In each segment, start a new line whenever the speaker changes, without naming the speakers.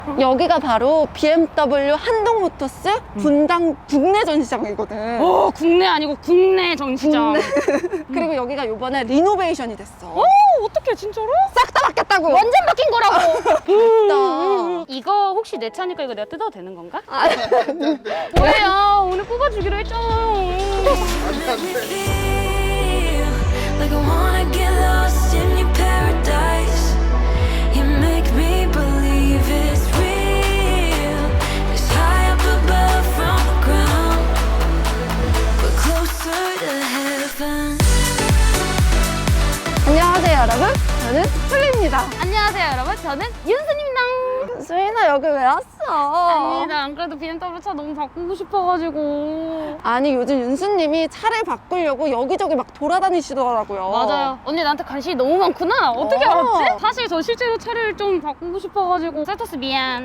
여기가 바로 BMW 한동모터스 분당 국내 전시장이거든.
국내 아니고 국내 전시장.
그리고 여기가 요번에 리노베이션이 됐어.
어떡해, 진짜로?
싹 다 바뀌었다고.
완전 바뀐 거라고.
나
이거 혹시 내 차니까 이거 내가 뜯어도 되는 건가?
아,
뭐예요? 오늘 뽑아주기로 했잖아요.
Like I wanna get lost in your paradise. You make me believe it's real. It's high up above from the ground, but closer to heaven.
안녕하세요 여러분, 저는 플리입니다.
안녕하세요, 여러분. 저는 윤수입니다.
수인아 여기 왜 왔어?
아니다, 안 그래도 BMW 차 너무 바꾸고 싶어가지고.
아니 요즘 윤수님이 차를 바꾸려고 여기저기 막 돌아다니시더라고요.
맞아요. 언니 나한테 관심이 너무 많구나. 어떻게 알았지? 사실 저 실제로 차를 좀 바꾸고 싶어가지고. 셀토스 미안.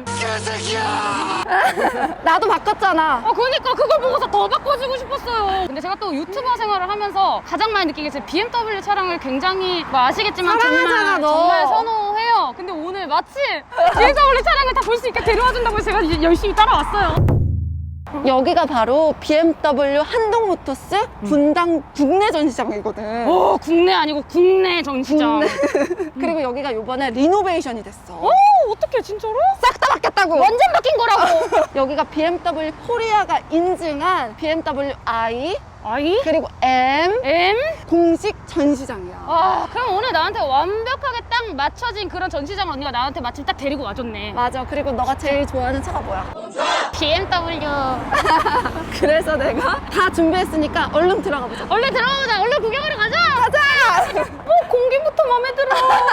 나도 바꿨잖아.
그러니까 그걸 보고서 더 바꿔주고 싶었어요. 근데 제가 또 유튜버 생활을 하면서 가장 많이 느낀 게 BMW 차량을 굉장히 뭐 아시겠지만
사랑하잖아, 너.
정말 선호해요. 근데 오늘 마침 BMW 차량을 다 볼 수 있게 데려와준다고 해서 제가 열심히 따라왔어요.
여기가 바로 BMW 한동모터스 분당 국내 전시장이거든.
국내 아니고 국내 전시장.
그리고 여기가 요번에 리노베이션이 됐어.
어떡해, 진짜로?
싹 다 바뀌었다고.
완전 바뀐 거라고.
여기가 BMW 코리아가 인증한 BMW i
아이?
그리고 M
M?
공식 전시장이야.
그럼 오늘 나한테 완벽하게 딱 맞춰진 그런 전시장 언니가 나한테 마침 딱 데리고 와줬네.
맞아. 그리고 너가 제일 좋아하는 차가 뭐야?
BMW.
그래서 내가 다 준비했으니까 얼른 들어가 보자.
얼른 들어가보자. 얼른 구경하러 가자.
가자!
공기부터 마음에 들어.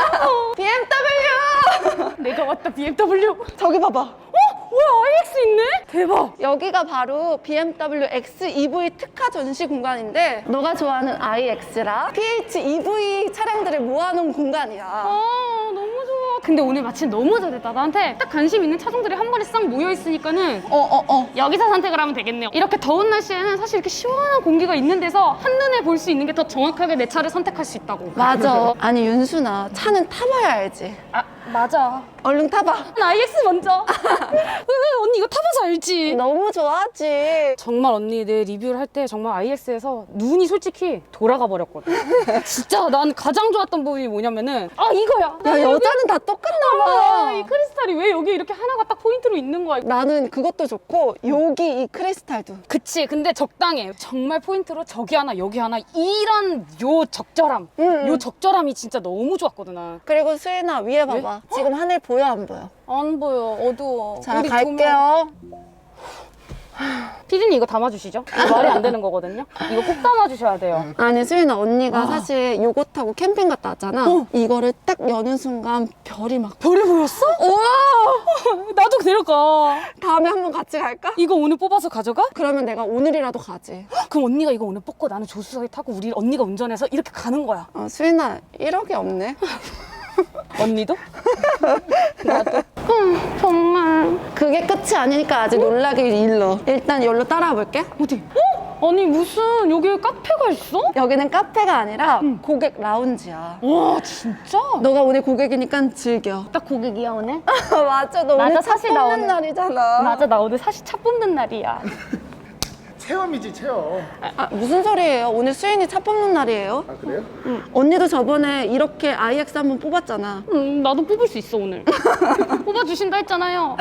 BMW!
내가 왔다, BMW.
저기 봐봐.
뭐야, iX 있네? 대박.
여기가 바로 BMW XEV 특화 전시 공간인데 너가 좋아하는 iX랑 PHEV 차량들을 모아놓은 공간이야.
너무 좋아. 근데 오늘 마침 너무 잘했다. 나한테 딱 관심 있는 차종들이 한 번에 싹 모여있으니까는 여기서 선택을 하면 되겠네요. 이렇게 더운 날씨에는 사실 이렇게 시원한 공기가 있는 데서 한눈에 볼 수 있는 게 더 정확하게 내 차를 선택할 수 있다고.
맞아. 아니 윤수나 차는 타봐야 알지.
맞아.
얼른 타봐.
iX 먼저. 언니 이거 타봐서 알지.
너무 좋아하지.
정말 언니 내 리뷰를 할 때 정말 iX에서 눈이 솔직히 돌아가 버렸거든. 진짜 난 가장 좋았던 부분이 뭐냐면은 이거야.
야 여자는 다 똑같나 봐.
이 크리스탈이 왜 여기 이렇게 하나가 딱 포인트로 있는 거야.
나는 그것도 좋고 여기 이 크리스탈도.
그치, 근데 적당해. 정말 포인트로 저기 하나 여기 하나 이런 요 적절함. 요 적절함이 진짜 너무 좋았거든. 난.
그리고 수인아 위에 봐봐. 지금 하늘 보여 안 보여?
안 보여, 어두워.
자 갈게요.
피디님 이거 담아주시죠. 이거 말이 안 되는 거거든요. 이거 꼭 담아주셔야 돼요.
아니 수인아 언니가 사실 요거 타고 캠핑 갔다 왔잖아. 이거를 딱 여는 순간 별이 막
별이 보였어? 나도 데려가.
다음에 한번 같이 갈까?
이거 오늘 뽑아서 가져가?
그러면 내가 오늘이라도 가지.
그럼 언니가 이거 오늘 뽑고 나는 조수석에 타고 우리 언니가 운전해서 이렇게 가는 거야.
수인아 1억이 없네.
언니도? 나도. 정말.
그게 끝이 아니니까 아직 놀라길 일러. 일단 여기로 따라와 볼게.
어디? 아니 무슨 여기에 카페가 있어?
여기는 카페가 아니라 고객 라운지야.
와 진짜?
너가 오늘 고객이니까 즐겨.
딱 고객이야 오늘?
맞아, 너
맞아,
오늘 차
사실 나
뽑는
오늘-
날이잖아.
맞아, 나 오늘 사실 차 뽑는 날이야.
체험이지 체험.
무슨 소리예요? 오늘 수인이 차 뽑는 날이에요?
아 그래요?
언니도 저번에 이렇게 iX 한번 뽑았잖아.
나도 뽑을 수 있어 오늘. 뽑아주신다 했잖아요.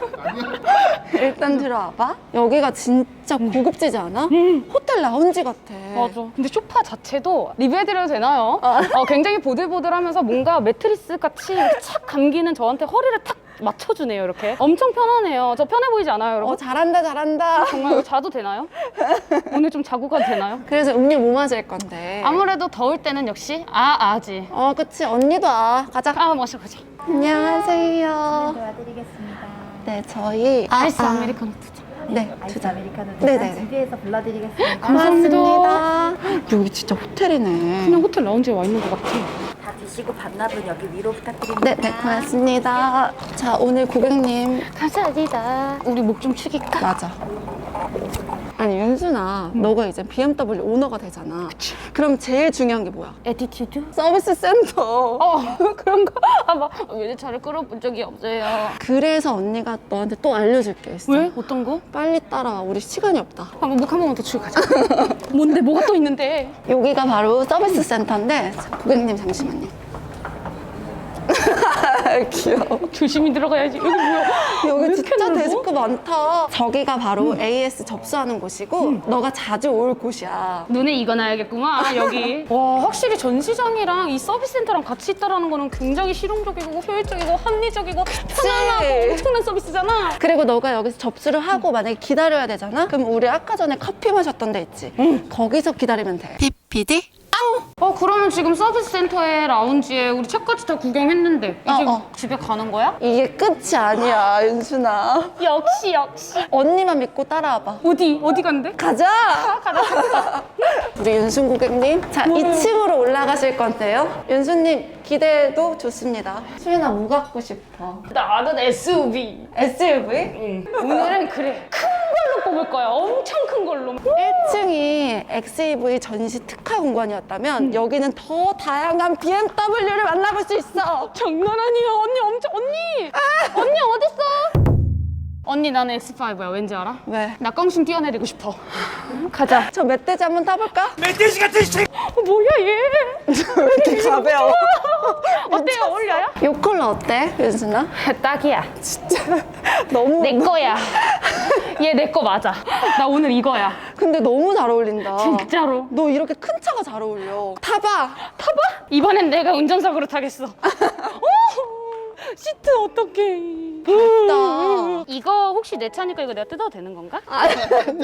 일단 들어와봐. 여기가 진짜 고급지지 않아? 호텔 라운지 같아.
맞아. 근데 소파 자체도 리뷰해드려도 되나요? 굉장히 보들보들하면서 뭔가 매트리스 같이 이렇게 착 감기는 저한테 허리를 탁 맞춰주네요. 이렇게 엄청 편하네요. 저 편해 보이지 않아요, 여러분?
잘한다, 잘한다.
정말 이거 자도 되나요? 오늘 좀 자고 가도 되나요?
그래서 음료 뭐 마실 건데?
아무래도 더울 때는 역시 아지.
그치. 언니도 가자.
마셔보자.
안녕하세요.
도와드리겠습니다.
네, 저희
아이스 아메리카노 두 잔.
네,
아이스
두 잔.
아메리카노
네네네.
준비해서 불러드리겠습니다.
고맙습니다. 여기 진짜 호텔이네.
그냥 호텔 라운지에 와 있는 것 같아.
다 드시고 반납은 여기 위로 부탁드립니다.
네, 네, 고맙습니다. 자, 오늘 고객님.
감사합니다. 우리 목 좀 축일까?
맞아. 아니, 윤순아, 너가 이제 BMW 오너가 되잖아. 그럼 제일 중요한 게 뭐야?
에티튜드?
서비스 센터.
그런 거? 막 외제차를 끌어본 적이 없어요.
그래서 언니가 너한테 또 알려줄 게 있어.
왜? 어떤 거?
빨리 따라와. 우리 시간이 없다.
한번 묵 한 번만 더 치고 가자. 뭔데? 뭐가 또 있는데?
여기가 바로 서비스 센터인데, 자, 고객님 잠시만요. 귀여워.
조심히 들어가야지. 여기 뭐야?
여기
이렇게
진짜
넓어?
데스크 많다. 저기가 바로 AS 접수하는 곳이고, 너가 자주 올 곳이야.
눈에 익어놔야겠구만 여기. 와 확실히 전시장이랑 이 서비스 센터랑 같이 있다라는 거는 굉장히 실용적이고 효율적이고 합리적이고 편안하고 엄청난 서비스잖아.
그리고 너가 여기서 접수를 하고 만약에 기다려야 되잖아? 그럼 우리 아까 전에 커피 마셨던 데 있지? 거기서 기다리면 돼. PPD?
그러면 지금 서비스 센터에 라운지에 우리 차까지 다 구경했는데 이제 집에 가는 거야?
이게 끝이 아니야, 윤순아.
역시.
언니만 믿고 따라와봐.
어디 간대?
가자! 우리 윤순 고객님. 자, 2층으로 올라가실 건데요. 윤순님, 기대도 좋습니다. 수인아, 뭐 갖고 싶어?
나는 SUV.
SUV?
오늘은 그래 큰 걸로 뽑을 거야. 엄청 큰 걸로.
1층이 XEV 전시 특화 공간이었다면 여기는 더 다양한 BMW를 만나볼 수 있어.
장난 아니야. 언니 어딨어? 언니 나는 X5야. 왠지 알아?
왜?
나 껑충 뛰어내리고 싶어. 가자.
저 멧돼지 한번 타볼까?
멧돼지 같은 새.
뭐야 얘?
왜 이렇게 가벼워?
어때요? 어울려요?
이 컬러 어때, 윤순아?
딱이야.
너무.
내 거야. 얘 내 거 맞아. 나 오늘 이거야.
근데 너무 잘 어울린다.
진짜로.
너 이렇게 큰 차가 잘 어울려. 타봐.
이번엔 내가 운전석으로 타겠어. 시트 어떡해.
나.
이거 혹시 내 차니까 이거 내가 뜯어도 되는 건가?
아니,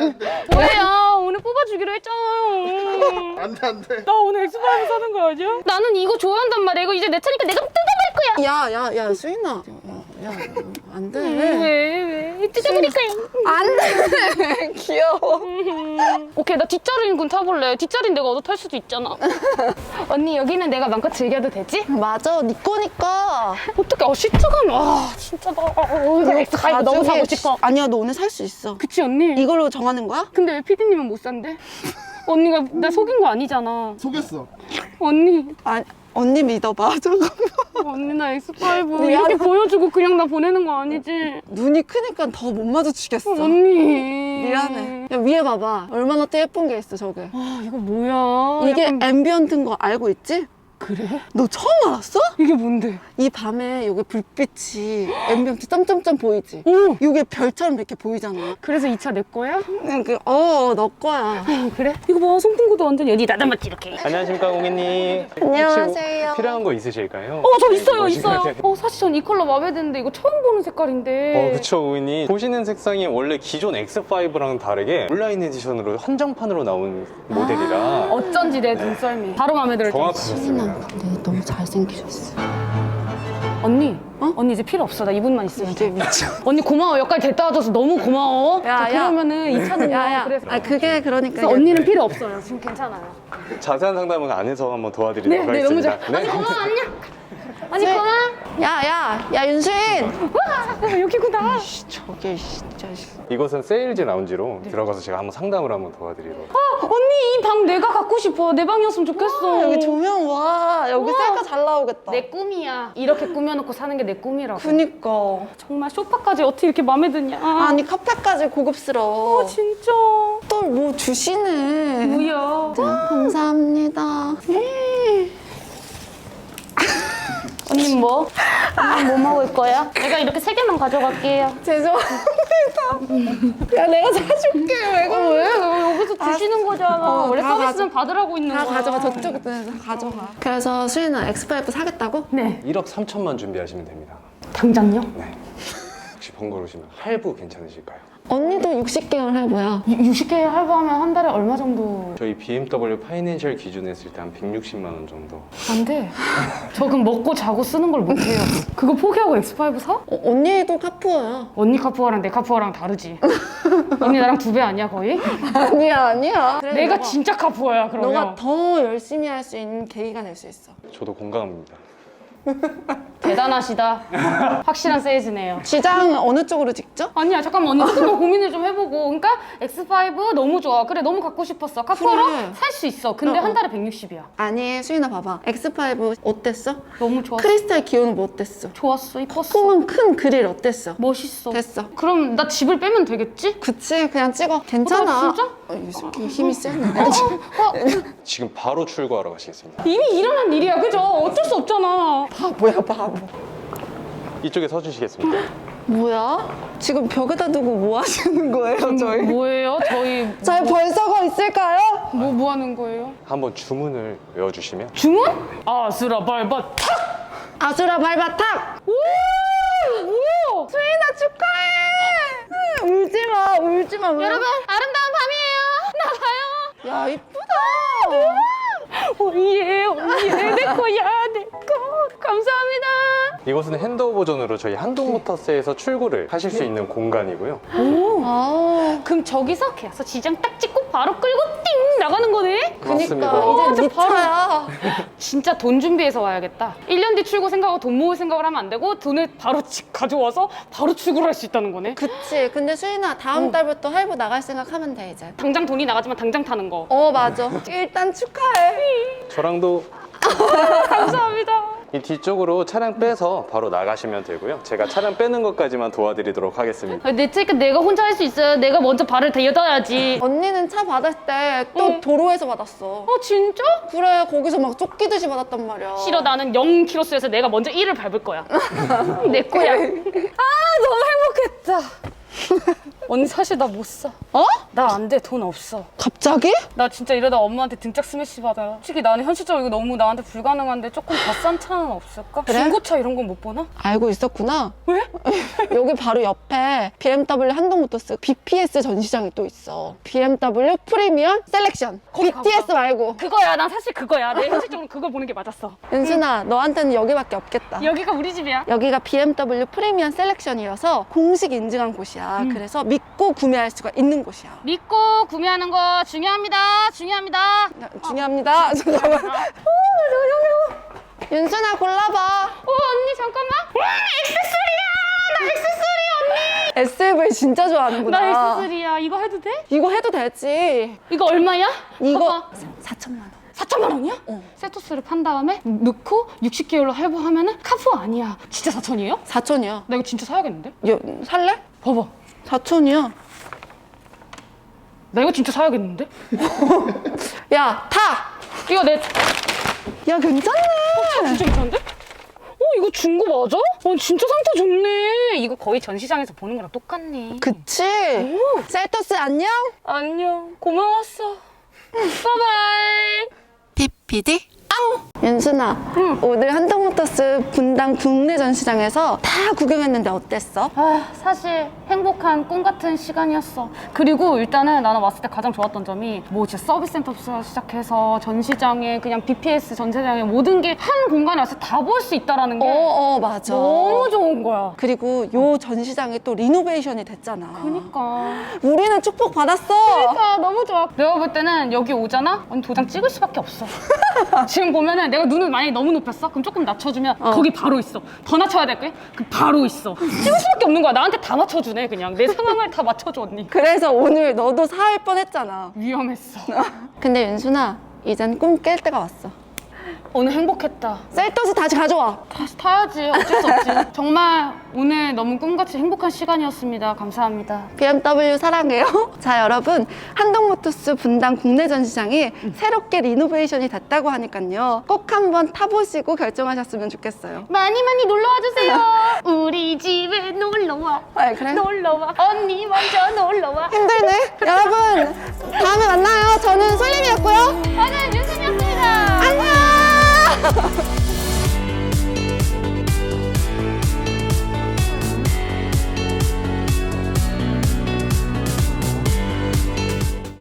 뭐예요? 오늘 뽑아주기로 했잖아요.
안 돼.
나 오늘 X5 사는 거 아니야? 나는 이거 좋아한단 말이야. 이거 이제 내 차니까 내가 뜯어버릴 거야.
야, 수인아. 야, 안 돼.
왜? 뜯어버릴 거야.
안 돼. 귀여워.
오케이, 나 뒷자리인 군 타볼래. 뒷자리는 내가 얻어 탈 수도 있잖아. 언니, 여기는 내가 마음껏 즐겨도 되지?
맞아, 네 거니까.
어떡해, 시트감. 진짜 나 이거 X5 너무 사고 싶어.
아니야, 너 오늘 살 수 있어.
그치, 언니?
이걸로 정하는 거야?
근데 왜 피디님은 못 산대? 언니가 나 속인 거 아니잖아.
속였어.
언니,
언니 믿어봐. 잠깐만.
언니 나 X5
미안해.
이렇게 보여주고 그냥 나 보내는 거 아니지?
눈이 크니까 더 못 마주치겠어.
언니.
미안해. 야, 위에 봐봐. 얼마나 또 예쁜 게 있어, 저게.
이거 뭐야?
이게
약간-
앰비언트인 거 알고 있지?
그래?
너 처음 알았어?
이게 뭔데?
이 밤에 여기 불빛이 앰비언트 점점점 보이지?
오!
이게 별처럼 이렇게 보이잖아.
그래서 이 차 내 거야?
그냥 너 거야.
그래? 이거 봐, 송풍구도 완전 여기 나다맞지 이렇게.
안녕하십니까 고객님.
안녕하세요.
혹시 필요한 거 있으실까요?
저 있어요.
보시면-
사실 전 이 컬러 마음에 드는데 이거 처음 보는 색깔인데.
그쵸 고객님. 보시는 색상이 원래 기존 X5랑 다르게 온라인 에디션으로 한정판으로 나온 모델이라
어쩐지 내 눈썰미. 바로 마음에 들었지.
정확하셨습니다.
근데 너무 잘생기셨어.
언니, 언니 이제 필요 없어. 나 이분만 있으면 돼.
이게 미쳐.
언니 고마워. 여기까지 데려다 와줘서 너무 고마워.
야,
자, 그러면은 이 차는
야야.
그래서
그게 그러니까.
그래서 언니는 필요 없어요. 지금 괜찮아요.
자세한 상담은 안에서 한번 도와드리도록
네, 너무
하겠습니다.
잘. 언니 고마워, 안녕. 언니 고마워.
야, 윤수인!
와, 여기구나.
저게 진짜.
이곳은 세일즈 라운지로 들어가서 제가 한번 상담을 한번 도와드리도록.
언니 이 방 내가 갖고 싶어. 내 방이었으면 좋겠어.
여기 조명 와. 여기 셀카 잘 나오겠다.
내 꿈이야. 이렇게 꾸며놓고 사는 게 내 꿈이라고.
그니까.
정말 소파까지 어떻게 이렇게 마음에 드냐.
아니, 카페까지 고급스러워.
진짜.
또 뭐 주시네.
뭐야.
감사합니다.
언니 뭐? 언니 뭐 먹을 거야? 내가 이렇게 3개만 가져갈게요.
죄송합니다. 야, 내가 사줄게. 왜 그래?
왜? 여기서 주시는 거잖아. 원래
다
서비스는 받으라고 있는
다
거야.
가져가. 저쪽에서 가져가. 그래서 수인아, X5 사겠다고?
네.
1억 3천만 준비하시면 됩니다.
당장요?
네. 혹시 번거로우시면 할부 괜찮으실까요?
언니도 60개월 할부야.
60개 할부하면 한 달에 얼마 정도?
저희 BMW 파이낸셜 기준에 했을 때 한 160만 원 정도.
안 돼. 저 그럼 먹고 자고 쓰는 걸 못 해요. 그거 포기하고 X5 사?
언니도 카푸어야.
언니 카푸어랑 내 카푸어랑 다르지. 언니 나랑 2배 아니야 거의?
아니야. 그래,
내가 진짜 카푸어야 그러면.
너가 더 열심히 할 수 있는 계기가 될 수 있어.
저도 공감합니다.
대단하시다. 확실한 세이즈네요.
지장 어느 쪽으로 찍죠?
아니야 잠깐만 언니 조금만 고민을 좀 해보고. 그러니까 X5 너무 좋아. 그래 너무 갖고 싶었어. 카카오로
그래.
살 수 있어. 근데 한 달에 160이야.
아니 수인아 봐봐. X5 어땠어?
너무 좋았어.
크리스탈 기호는 뭐 어땠어?
좋았어. 이뻤어.
폼은 큰 그릴 어땠어?
멋있어.
됐어.
그럼 나 집을 빼면 되겠지?
그치 그냥 찍어. 괜찮아.
진짜?
이 새끼 힘이 세네.
지금 바로 출고하러 가시겠습니다.
이미 일어난 일이야 그죠? 어쩔 수 없잖아.
바보야 바보.
이쪽에 서주시겠습니다.
뭐야? 지금 벽에다 두고 뭐 하시는 거예요 저희?
뭐예요? 저희
저희 벌써가 있을까요?
뭐 하는 거예요?
한번 주문을 외워주시면
주문? 아수라 발바 탁!
아수라 발바탁!
오! 뭐야?
수인아 축하해! 울지마 울지마.
여러분 아름다운 밤이에요. 나가요.
야 이쁘다.
오예 오예 내 거야 내 거. 감사합니다.
이곳은 핸드오 버전으로 저희 한동모터스에서 출고를 하실 수 있는 공간이고요.
아
그럼 저기서 계속 지장 딱 찍고 바로 끌고 띵 나가는 거네?
맞습니다.
그니까 이제 네
바로.
차야.
진짜 돈 준비해서 와야겠다. 1년 뒤 출고 생각하고 돈 모을 생각을 하면 안 되고 돈을 바로 가져와서 바로 출고를 할 수 있다는 거네.
그치. 근데 수인아 다음 달부터 할부 나갈 생각하면 돼 이제.
당장 돈이 나가지만 당장 타는 거.
맞아. 일단 축하해.
저랑도
감사합니다.
이 뒤쪽으로 차량 빼서 바로 나가시면 되고요. 제가 차량 빼는 것까지만 도와드리도록 하겠습니다.
내 체크 내가 혼자 할 수 있어요. 내가 먼저 발을 대여둬야지.
언니는 차 받을 때 또 도로에서 받았어.
진짜?
그래 거기서 막 쫓기듯이 받았단 말이야.
싫어 나는 0km수에서 내가 먼저 1을 밟을 거야. 내 거야. 너무 행복했다. 언니 사실 나 못 사. 나 안 돼. 돈 없어.
갑자기?
나 진짜 이러다 엄마한테 등짝 스매시 받아요. 솔직히 나는 현실적으로 이거 너무 나한테 불가능한데 조금 더 싼 차는 없을까?
그래?
중고차 이런 건 못 보나?
알고 있었구나.
왜?
여기 바로 옆에 BMW 한동모터스 BPS 전시장이 또 있어. BMW 프리미엄 셀렉션.
거기
BTS
가보자.
말고.
그거야. 난 사실 그거야. 내 현실적으로 그걸 보는 게 맞았어.
은순아 너한테는 여기밖에 없겠다.
여기가 우리 집이야.
여기가 BMW 프리미엄 셀렉션이어서 공식 인증한 곳이야. 그래서 믿고 구매할 수가 있는 곳이야.
믿고 구매하는 거 중요합니다. 중요합니다.
중요합니다. 잠깐만. 윤순아 골라봐.
언니 잠깐만. X3야. 나 X3 언니.
SUV 진짜 좋아하는구나.
나 X3야. 이거 해도 돼?
이거 해도 되지.
이거 얼마야?
이거
봐봐.
4천만 원.
4천만 원이야? 세토스를 판 다음에 넣고 60개월로 할부하면은 카푸 아니야. 진짜 4천이에요?
4천이야.
나 이거 진짜 사야겠는데?
살래?
봐봐.
4천이야.
나 이거 진짜 사야겠는데?
야, 타!
이거 내
야, 괜찮네.
진짜 괜찮은데? 이거 중고 맞아? 진짜 상태 좋네. 이거 거의 전시장에서 보는 거랑 똑같네.
그치? 셀토스 안녕?
안녕. 고마웠어. 바이바이.
PPD 윤순아, 오늘 한동모터스 분당 국내 전시장에서 다 구경했는데 어땠어?
사실 행복한 꿈 같은 시간이었어. 그리고 일단은 나는 왔을 때 가장 좋았던 점이 뭐 진짜 서비스 센터부터 시작해서 전시장에 그냥 BPS 전시장에 모든 게 한 공간에 와서 다 볼 수 있다라는 게
맞아.
너무 좋은 거야.
그리고 요 전시장이 또 리노베이션이 됐잖아.
그러니까
우리는 축복 받았어.
너무 좋아. 내가 볼 때는 여기 오잖아? 언니 도장 찍을 수밖에 없어. 지금 보면은 내가 눈을 만약에 너무 높였어? 그럼 조금 낮춰주면 거기 바로 있어. 더 낮춰야 될 거야? 그 바로 있어. 찍을 수밖에 없는 거야. 나한테 다 맞춰주네 그냥. 내 상황을 다 맞춰줘 언니.
그래서 오늘 너도 사할 뻔했잖아.
위험했어.
근데 윤순아, 이젠 꿈 깰 때가 왔어.
오늘 행복했다.
셀토스 다시 가져와.
다시 타야지. 어쩔 수 없지. 정말 오늘 너무 꿈같이 행복한 시간이었습니다. 감사합니다.
BMW 사랑해요. 자, 여러분, 한동모터스 분당 국내 전시장이 새롭게 리노베이션이 됐다고 하니까요. 꼭 한번 타보시고 결정하셨으면 좋겠어요.
많이 많이 놀러와 주세요. 우리 집에 놀러와.
그래?
놀러와. 언니 먼저 놀러와.
힘들네. 여러분,